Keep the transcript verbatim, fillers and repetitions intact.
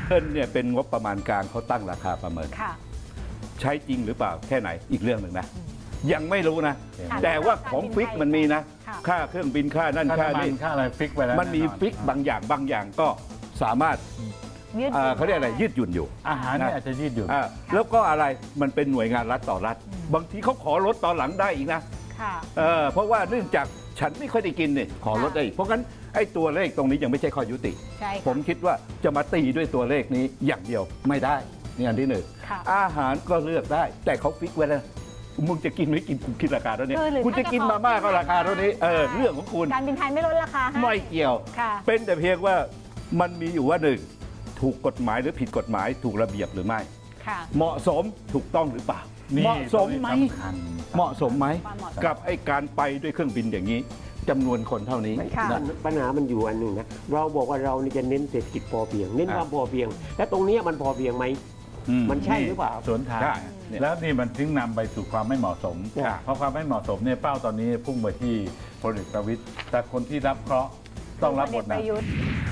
เงินเนี่ยเป็นงบประมาณกลางเขาตั้งราคาประเมินใช้จริงหรือเปล่าแค่ไหนอีกเรื่องหนึ่งนะยังไม่รู้นะแต่ว่าของฟิกมันมีนะค่าเครื่องบินค่านั่นค่านี่ค่าอะไรฟิกไปแล้วมันมีฟิกบางอย่างบางอย่างก็สามารถเขาเรียกอะไรยืดหยุ่นอยู่อาหารเนี่ยอาจจะยืดหยุ่นแล้วก็อะไรมันเป็นหน่วยงานรัฐต่อรัฐบางทีเขาขอลดตอนหลังได้อีกนะเพราะว่าเนื่องจากฉันไม่ค่อยได้กินเนี่ยขอลดได้เพราะงั้นไอ้ตัวเลขตรงนี้ยังไม่ใช่ข้อยุติผมคิดว่าจะมาตีด้วยตัวเลขนี้อย่างเดียวไม่ได้นี่อันที่หนึ่งอาหารก็เลือกได้แต่เขาฟิกไว้แล้วมึงจะกินไม่กินคุณคิดราคาเท่านี้คุณจะกินมาม่าก็ราคาเท่านี้เออเรื่องของคุณการบินไทยไม่ลดราคาไม่เกี่ยวเป็นแต่เพียงว่ามันมีอยู่ว่าหนึ่งถูกกฎหมายหรือผิดกฎหมายถูกระเบียบหรือไม่เหมาะสมถูกต้องหรือเปล่าเหมาะสมไหมเหมาะสมไหมกับไอ้การไปด้วยเครื่องบินอย่างนี้จำนวนคนเท่านี้ปัญหามันอยู่อันหนึ่งนะเราบอกว่าเราจะเน้นเศรษฐกิจพอเพียงเน้นความพอเพียงและตรงนี้มันพอเพียงไหมมันใช่หรือเปล่าสวนทางแล้วนี่มันถึงนำไปสู่ความไม่เหมาะสมเพราะความไม่เหมาะสมเนี่ยเป้าตอนนี้พุ่งไปที่พลเอกประวิตรแต่คนที่รับเคราะห์ต้องรับบทหนัก